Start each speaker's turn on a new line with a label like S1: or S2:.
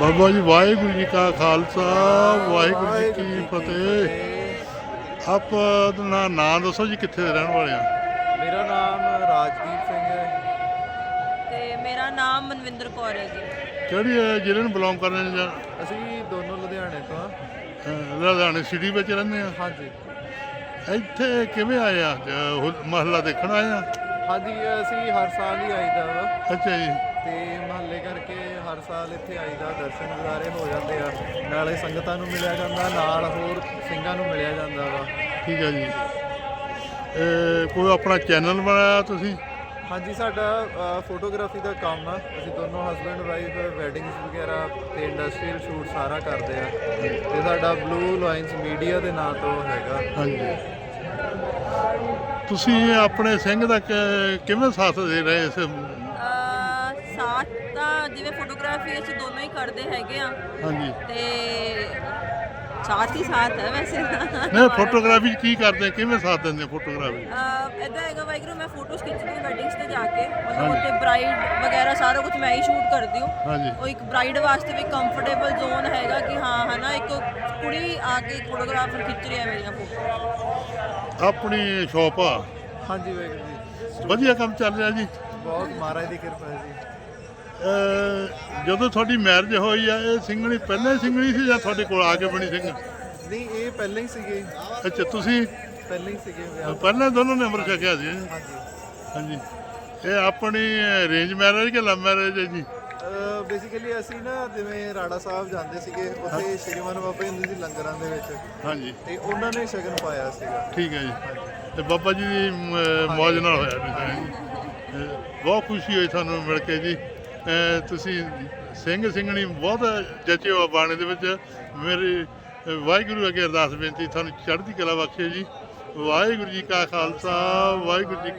S1: ਬਾਬਾ ਜੀ ਵਾਹਿਗੁਰੂ ਜੀ ਕਾ ਖਾਲਸਾ ਵਾਹਿਗੁਰੂ ਜੀ ਕੀ ਫਤਿਹ। ਆਪਣਾ ਨਾਂ ਦੱਸੋ ਜੀ, ਕਿੱਥੇ ਦੇ ਰਹਿਣ ਵਾਲੇ ਆ?
S2: ਮੇਰਾ ਨਾਮ ਰਾਜਦੀਪ ਸਿੰਘ ਹੈ
S3: ਤੇ ਮੇਰਾ ਨਾਮ ਮਨਵਿੰਦਰ ਕੌਰ ਹੈ ਜੀ।
S1: ਕਿਹੜੀ ਜ਼ਿਲ੍ਹੇ ਨੂੰ ਬਿਲੋਂਗ ਕਰਦੇ ਨੇ ਜਾਂ
S2: ਅਸੀਂ ਦੋਨੋਂ ਲੁਧਿਆਣੇ ਤੋਂ ਹਾਂ।
S1: ਲੁਧਿਆਣੇ ਸਿਟੀ ਵਿੱਚ ਰਹਿੰਦੇ ਆ?
S2: ਹਾਂਜੀ
S1: ਇੱਥੇ ਕਿਵੇਂ ਆਏ ਆ? ਮਹੱਲਾ ਦੇਖਣ ਆਏ ਆ?
S2: ਹਾਂਜੀ ਅਸੀਂ ਹਰ ਸਾਲ ਹੀ ਆਈਦਾ ਵਾ
S1: ਅੱਛਾ ਜੀ।
S2: ਤੇ ਮਹੱਲੇ ਕਰਕੇ ਹਰ ਸਾਲ ਇੱਥੇ ਆਈਦਾ, ਦਰਸ਼ਨ ਨਜ਼ਾਰੇ ਹੋ ਜਾਂਦੇ ਆ, ਨਾਲੇ ਸੰਗਤਾਂ ਨੂੰ ਮਿਲਿਆ ਜਾਂਦਾ, ਨਾਲ ਹੋਰ ਸਿੰਘਾਂ ਨੂੰ ਮਿਲਿਆ ਜਾਂਦਾ ਵਾ।
S1: ਠੀਕ ਹੈ ਜੀ। ਕੋਈ ਆਪਣਾ ਚੈਨਲ ਬਣਾਇਆ ਤੁਸੀਂ?
S2: ਹਾਂਜੀ ਸਾਡਾ ਫੋਟੋਗ੍ਰਾਫੀ ਦਾ ਕੰਮ ਆ। ਅਸੀਂ ਦੋਨੋਂ ਹਸਬੈਂਡ ਵਾਈਫ ਵੈਡਿੰਗਸ ਵਗੈਰਾ ਤੇ ਇੰਡਸਟਰੀਅਲ ਸ਼ੂਟ ਸਾਰਾ ਕਰਦੇ ਆ ਤੇ ਸਾਡਾ ਬਲੂ ਲਾਈਨਸ ਮੀਡੀਆ ਦੇ ਨਾਂ ਤੋਂ ਹੈਗਾ।
S1: ਹਾਂਜੀ। ਤੁਸੀਂ ਆਪਣੇ ਸਿੰਘ ਦਾ ਕਿਵੇਂ ਸਾਥ ਦੇ ਰਹੇ ਇਸ?
S3: ਸਾਥ ਤਾਂ ਜਿਵੇਂ ਫੋਟੋਗ੍ਰਾਫੀ ਅਸੀਂ ਦੋਨੋਂ ਹੀ ਕਰਦੇ ਹੈਗੇ ਆ
S1: ਹਾਂਜੀ।
S3: ਤੇ ਸਾਥ ਹੀ ਸਾਥ ਹੈ ਵੈਸੇ।
S1: ਨਹੀਂ, ਫੋਟੋਗ੍ਰਾਫੀ ਕੀ ਕਰਦੇ, ਕਿਵੇਂ ਸਾਥ ਦਿੰਦੇ ਫੋਟੋਗ੍ਰਾਫੀ?
S3: ਇੱਦਾਂ ਹੈਗਾ ਵਾਹਿਗੁਰੂ, ਮੈਂ ਫੋਟੋਜ਼ ਖਿੱਚਦੀ ਹਾਂ ਵੈਡਿੰਗਸ ਤੇ ਜਾ ਕੇ, ਮਤਲਬ ਉੱਥੇ ਬਰਾਈਡ ਵਗੈਰਾ ਸਾਰਾ ਕੁਝ ਮੈਂ ਹੀ ਸ਼ੂਟ ਕਰਦੀ ਹਾਂ।
S1: ਹਾਂਜੀ।
S3: ਉਹ ਇੱਕ ਬਰਾਈਡ ਵਾਸਤੇ ਵੀ ਕੰਫਰਟੇਬਲ ਜ਼ੋਨ ਹੈਗਾ ਕਿ ਹਾਂ ਹੈ ਨਾ, ਇੱਕ ਕੁੜੀ ਆ ਕੇ ਫੋਟੋਗ੍ਰਾਫਰ ਖਿੱਚ ਰਹੀ ਹੈ ਮੇਰੀਆਂ ਫੋਟੋ।
S1: ਆਪਣੀ ਸ਼ੌਪ ਆ?
S2: ਹਾਂਜੀ ਵਾਹਿਗੁਰੂ ਜੀ,
S1: ਵਧੀਆ ਕੰਮ ਚੱਲ ਰਿਹਾ ਜੀ?
S2: ਬਹੁਤ ਮਹਾਰਾਜ ਦੀ ਕਿਰਪਾ ਹੈ ਜੀ।
S1: ਜਦੋਂ ਤੁਹਾਡੀ ਮੈਰਿਜ ਹੋਈ ਆ, ਇਹ ਸਿੰਘਣੀ ਪਹਿਲਾਂ ਹੀ ਸਿੰਘਣੀ ਸੀ ਜਾਂ ਤੁਹਾਡੇ ਕੋਲ ਆ ਕੇ ਬਣੀ ਸਿੰਘ?
S2: ਨਹੀਂ ਇਹ ਪਹਿਲਾਂ ਹੀ ਸੀਗੇ।
S1: ਅੱਛਾ, ਤੁਸੀਂ
S2: ਪਹਿਲਾਂ ਹੀ ਸੀਗੇ ਵਿਆਹ।
S1: ਪਹਿਲਾਂ ਦੋਨੋਂ ਨੇ ਅੰਮ੍ਰਿਤ ਛਕਿਆ ਸੀ?
S2: ਹਾਂਜੀ
S1: ਹਾਂਜੀ। ਇਹ ਆਪਣੀ ਅਰੇਂਜ ਮੈਰਿਜ ਕਿ ਲਵ ਮੈਰਿਜ ਹੈ ਜੀ?
S2: ਬੇਸਿਕਲੀ ਅਸੀਂ ਨਾ ਜਿਵੇਂ ਰਾੜਾ ਸਾਹਿਬ ਜਾਂਦੇ ਸੀਗੇ, ਉੱਥੇ ਸ਼੍ਰੀਮਾਨ ਬਾਬਾ ਹੁੰਦੇ ਸੀ ਲੰਗਰਾਂ ਦੇ ਵਿੱਚ,
S1: ਹਾਂਜੀ।
S2: ਤੇ ਉਹਨਾਂ ਨੇ ਸ਼ਗਨ ਪਾਇਆ ਸੀਗਾ।
S1: ਠੀਕ ਹੈ ਜੀ। ਤੇ ਬਾਬਾ ਜੀ ਦੀ ਮੌਜ ਨਾਲ ਹੋਇਆ ਵੀ। ਬਹੁਤ ਖੁਸ਼ੀ ਹੋਈ ਤੁਹਾਨੂੰ ਮਿਲ ਕੇ ਜੀ। ਤੁਸੀਂ ਸਿੰਘ ਸਿੰਘਣੀ ਬਹੁਤ ਜਚੇ ਹੋ ਬਾਣੇ ਦੇ ਵਿੱਚ। ਮੇਰੀ ਵਾਹਿਗੁਰੂ ਅੱਗੇ ਅਰਦਾਸ ਬੇਨਤੀ, ਤੁਹਾਨੂੰ ਚੜ੍ਹਦੀ ਕਲਾ ਬਖਸ਼ੇ ਜੀ। ਵਾਹਿਗੁਰੂ ਜੀ ਕਾ ਖਾਲਸਾ ਵਾਹਿਗੁਰੂ ਜੀ